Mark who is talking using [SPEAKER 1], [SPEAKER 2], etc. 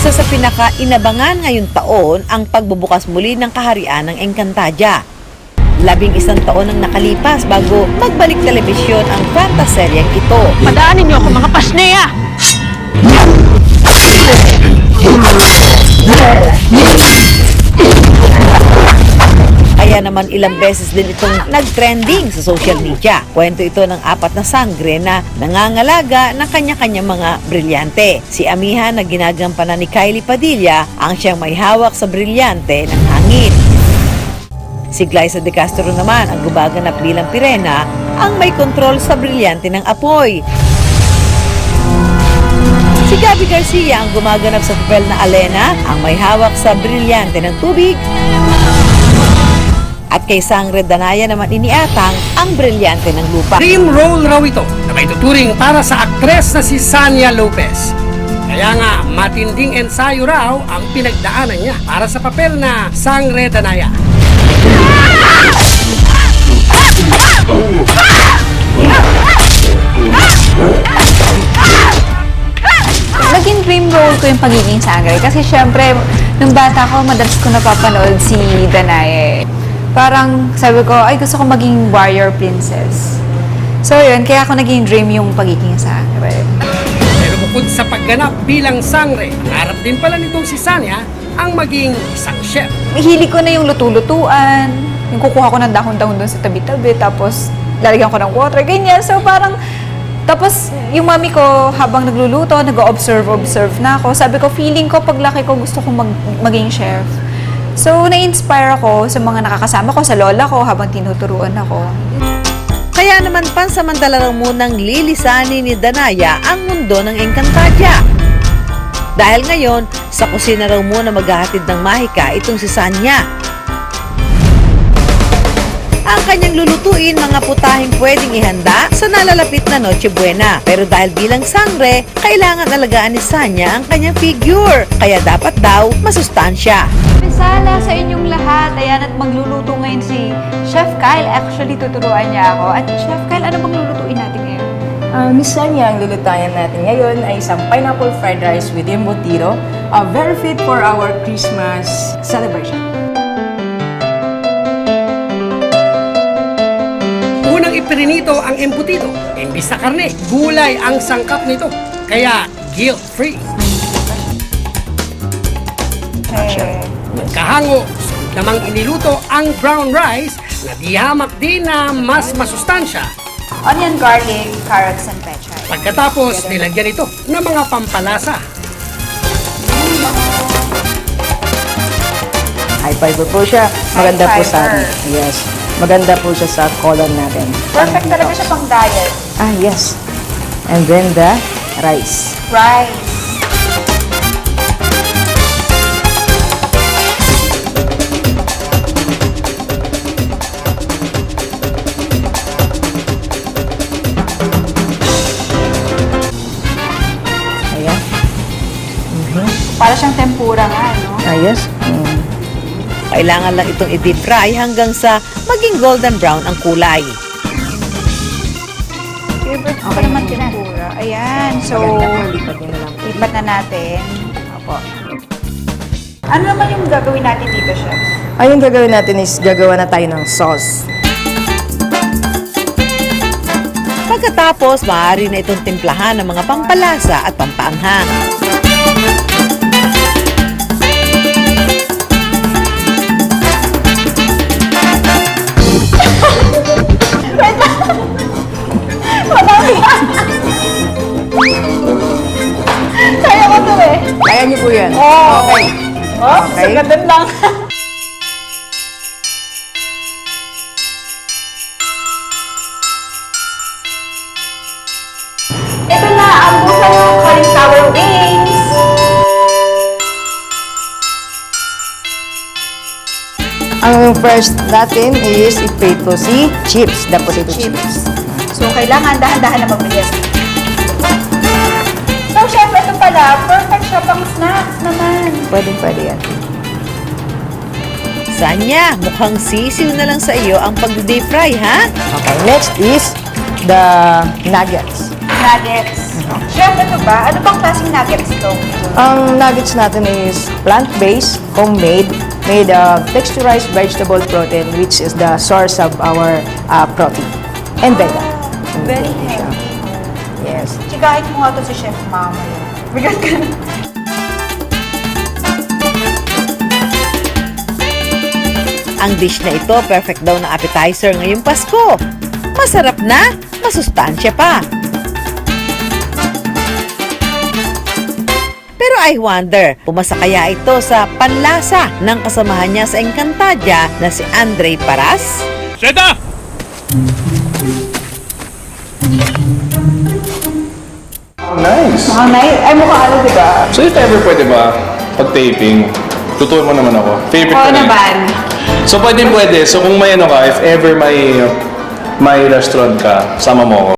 [SPEAKER 1] Isa sa pinaka-inabangan ngayong taon ang pagbubukas muli ng kaharian ng Encantadia. 11 taon ang nakalipas bago magbalik telebisyon ang fantaseryeng ito.
[SPEAKER 2] Padaanin niyo ako mga pasneya!
[SPEAKER 1] Kaya naman ilang beses din itong nag-trending sa social media. Kwento ito ng 4 na sangre na nangangalaga ng kanya-kanya mga brilyante. Si Amiha na ginagampanan ni Kylie Padilla ang siyang may hawak sa brilyante ng hangin. Si Glyza De Castro naman ang gumaganap bilang Pirena ang may kontrol sa brilyante ng apoy. Si Gabby Garcia ang gumaganap sa papel na Alena ang may hawak sa brilyante ng tubig. At kay Sangre Danaya naman iniatang ang brilyante ng lupa.
[SPEAKER 3] Dream role raw ito na may tuturing para sa aktres na si Sania Lopez. Kaya nga, matinding ensayo raw ang pinagdaanan niya para sa papel na Sangre Danaya.
[SPEAKER 4] Naging dream role ko yung pagiging Sangre kasi syempre, nung bata ko, madalas ko napapanood si Danaya. Parang sabi ko, ay gusto ko maging warrior princess. So yun, kaya ako naging dream yung pagiging Sangre.
[SPEAKER 3] Pero bukod sa pagganap bilang Sangre, harap din pala nitong si Sania ang maging isang chef.
[SPEAKER 4] Hilig ko na yung luto-lutuan, yung kukuha ko ng dahon-dahon doon sa tabi-tabi, tapos lalagyan ko ng water, ganyan. So parang, tapos yung mami ko habang nagluluto, nag-observe na ako. Sabi ko, feeling ko paglaki ko gusto kong maging chef. So, na-inspire ako sa mga nakakasama ko, sa lola ko habang tinuturuan ako.
[SPEAKER 1] Kaya naman pansamantala lang munang lilisanin ni Danaya ang mundo ng Encantadia. Dahil ngayon, sa kusina raw muna maghahatid ng mahika itong si Sania. Ang kanyang lulutuin mga putahing pwedeng ihanda sa nalalapit na Noche Buena. Pero dahil bilang Sangre, kailangan alagaan ni Sania ang kanyang figure. Kaya dapat daw masustansya.
[SPEAKER 4] Sala sa inyong lahat. Ayan, at magluluto ngayon si Chef Kyle. Actually, tuturuan niya ako. At Chef Kyle, ano bang lulutuin natin ngayon?
[SPEAKER 5] Miss Sanya, ang lulutayan natin ngayon ay isang pineapple fried rice with embutido. Very fit for our Christmas celebration.
[SPEAKER 3] Unang iprinito ang embutido. Imbis na karne, gulay ang sangkap nito. Kaya guilt-free. Kahango, namang iniluto ang brown rice na dihamak din na mas masustansya.
[SPEAKER 4] Onion, garlic, carrots, and pechay.
[SPEAKER 3] Pagkatapos, nilagyan ito ng mga pampalasa.
[SPEAKER 5] High fiber po siya. Maganda
[SPEAKER 4] High
[SPEAKER 5] po sa
[SPEAKER 4] fiber.
[SPEAKER 5] Yes. Maganda po siya sa colon natin.
[SPEAKER 4] Perfect talaga siya pang diet.
[SPEAKER 5] Yes. And then the rice.
[SPEAKER 4] Rice.
[SPEAKER 5] Ayan.
[SPEAKER 4] Para siyang tempura nga, no?
[SPEAKER 5] Yes.
[SPEAKER 1] Kailangan lang itong i-deep fry hanggang sa maging golden brown ang kulay.
[SPEAKER 4] Favorite ko naman tempura. Ayan. So, lipat na natin. Opo. Ano naman yung gagawin natin dito, Chef?
[SPEAKER 5] Ay, yung gagawin natin is gagawa na tayo ng sauce.
[SPEAKER 1] Pagkatapos, maaari na itong timplahan ng mga pampalasa at pampaanghang.
[SPEAKER 4] Kaya ko to eh.
[SPEAKER 5] Kaya niyo po yan.
[SPEAKER 4] Okay. Oh,
[SPEAKER 5] Okay.
[SPEAKER 4] sagatan lang. Ito na ang busa ng cauliflower wings.
[SPEAKER 5] Ang first natin is iprito si chips. The potato chips.
[SPEAKER 4] So, kailangan dahan-dahan na mabilis. So, chef, ito pala, perfect siya pang snacks naman.
[SPEAKER 5] Pwede yan.
[SPEAKER 1] Sanya, mukhang sisiw na lang sa iyo ang pag-deep fry, ha?
[SPEAKER 5] Okay, next is the nuggets.
[SPEAKER 4] nuggets. Chef, ito ba? Ano bang klaseng nuggets ito?
[SPEAKER 5] Ang nuggets natin is plant-based, homemade, made of texturized vegetable protein, which is the source of our protein. And vegan.
[SPEAKER 4] Very healthy.
[SPEAKER 5] Yes.
[SPEAKER 4] Chikahin mo nga ito si Chef Mama. Bigat ka na.
[SPEAKER 1] Ang dish na ito, perfect daw na appetizer ngayong Pasko. Masarap na, masustansya pa. Pero I wonder, pumasa kaya ito sa panlasa ng kasamahan niya sa Encantadia na si Andre Paras?
[SPEAKER 3] Seta!
[SPEAKER 6] Nice.
[SPEAKER 4] Ay, mukha ano, di ba?
[SPEAKER 6] So if ever pwede ba, pag-taping, tuturuan mo naman ako. Favorite ko rin. So pwede. So kung may ano ka, if ever may restaurant ka, sama mo ako.